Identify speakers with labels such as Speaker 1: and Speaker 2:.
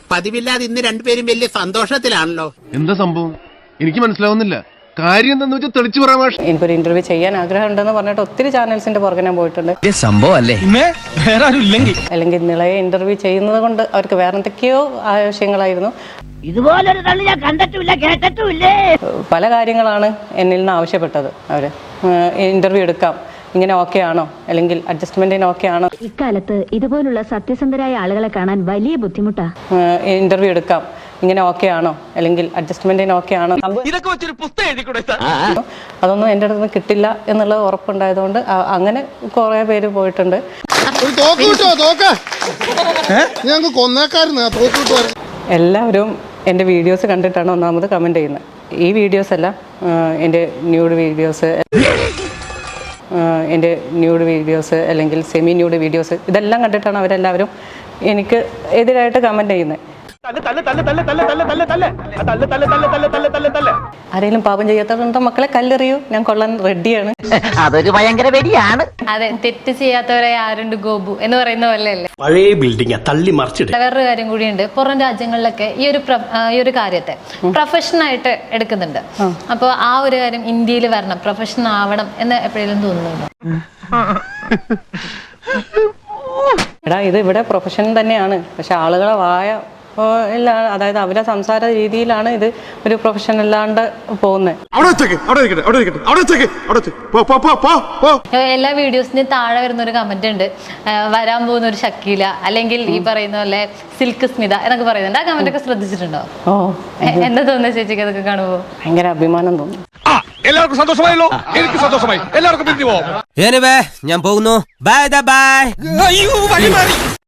Speaker 1: പതിവില്ലാതെ ഇന്ന് രണ്ടുപേരും വലിയ സന്തോഷത്തിലാണല്ലോ.
Speaker 2: എന്താ സംഭവം എനിക്ക് മനസ്സിലാവുന്നില്ല. കാര്യം എന്താന്ന് വെച്ചാൽ തെളിച്ചു പറയാൻ.
Speaker 3: എനിക്കൊരു ഇന്റർവ്യൂ ചെയ്യാൻ ആഗ്രഹം ഉണ്ടെന്ന് പറഞ്ഞിട്ട് ഒത്തിരി ചാനൽസിന്റെ പുറകെ ഞാൻ പോയിട്ടുണ്ട്. അല്ലെങ്കിൽ നിളയെ ഇന്റർവ്യൂ ചെയ്യുന്നത് കൊണ്ട് അവർക്ക് വേറെ എന്തൊക്കെയോ ആവശ്യങ്ങളായിരുന്നു.
Speaker 4: ഇതുപോലൊരു തള്ളി ഞാൻ കണ്ടിട്ടില്ല കേട്ടിട്ടുമില്ലേ.
Speaker 3: പല കാര്യങ്ങളാണ് എന്നിൽ നിന്ന് ആവശ്യപ്പെട്ടത്. അവര് ഇന്റർവ്യൂ എടുക്കാം, ഇങ്ങനെ ഓക്കെ ആണോ, അല്ലെങ്കിൽ അഡ്ജസ്റ്റ്മെന്റിന് ഓക്കെ ആണോ.
Speaker 4: ഇക്കാലത്ത് ഇതുപോലുള്ള സത്യസന്ധരായ ആളുകളെ കാണാൻ വലിയ ബുദ്ധിമുട്ടാ.
Speaker 3: ഇന്റർവ്യൂ എടുക്കാം, ഇങ്ങനെ ഓക്കെ ആണോ, അല്ലെങ്കിൽ അഡ്ജസ്റ്റ്മെന്റിന് ഓക്കെ ആണോ. അതൊന്നും എൻ്റെ അടുത്ത് നിന്ന് കിട്ടില്ല എന്നുള്ളത് ഉറപ്പുണ്ടായതുകൊണ്ട് അങ്ങനെ കുറെ പേര് പോയിട്ടുണ്ട്. എല്ലാവരും എൻ്റെ വീഡിയോസ് കണ്ടിട്ടാണ് ഒന്നാമത് കമൻറ്റ് ചെയ്യുന്നത്. ഈ വീഡിയോസ് അല്ല, എൻ്റെ ന്യൂഡ് വീഡിയോസ് അല്ലെങ്കിൽ സെമി ന്യൂഡ് വീഡിയോസ് ഇതെല്ലാം കണ്ടിട്ടാണ് അവരെല്ലാവരും എനിക്ക് എതിരായിട്ട് കമൻറ്റ് ചെയ്യുന്നത്. ആരെങ്കിലും പാപം ചെയ്യാത്തവരുണ്ടോ മക്കളെ കല്ലെറിയൂ, ഞാൻ കൊള്ളാൻ റെഡിയാണ്.
Speaker 4: അതൊരു ഭയങ്കര വെടിയാണ്.
Speaker 5: അതെ, തെറ്റ് ചെയ്യാത്തവരെ ആരുണ്ട് ഗോപു എന്ന് പറയുന്ന പോലെയല്ലേ.
Speaker 6: പഴയ ബിൽഡിംഗ് തള്ളി മറിച്ചിട്ട്.
Speaker 5: വേറൊരു കാര്യം കൂടിയുണ്ട്, പുറം രാജ്യങ്ങളിലൊക്കെ ഈ ഒരു കാര്യത്തെ പ്രൊഫഷനായിട്ട് എടുക്കുന്നുണ്ട്. അപ്പോൾ ആ ഒരു കാര്യം ഇന്ത്യയിൽ വരണം, പ്രൊഫഷൻ ആവണം എന്ന് എപ്പോഴെങ്കിലും തോന്നുന്നുണ്ടോ?
Speaker 3: എടാ, ഇത് ഇവിടെ പ്രൊഫഷൻ തന്നെയാണ്, പക്ഷെ ആളുകളെ അതായത് അവരെ സംസാര രീതിയിലാണ് ഇത് ഒരു പ്രൊഫഷൻ അല്ലാണ്ട് പോകുന്നത്.
Speaker 5: എല്ലാ വീഡിയോസിന് താഴെ വരുന്ന ഒരു കമന്റ് ഉണ്ട്, വരാൻ പോകുന്ന ഒരു ഷക്കീല അല്ലെങ്കിൽ ഈ പറയുന്ന പോലെ സിൽക്ക് സ്മിത എന്നൊക്കെ പറയുന്നുണ്ട്. ആ കമന്റ് ഒക്കെ ശ്രദ്ധിച്ചിട്ടുണ്ടോ? എന്താ തോന്നുന്നത് ചേച്ചിക്ക് അതൊക്കെ കാണുമ്പോ?
Speaker 3: ഭയങ്കര അഭിമാനം തോന്നുന്നു.
Speaker 7: എല്ലാവർക്കും സന്തോഷമായല്ലോ, എനിക്ക് സന്തോഷമായി. എല്ലാവർക്കും പിരിഞ്ഞു പോവാം.
Speaker 8: ഞാൻ പോകുന്നു. Bye by.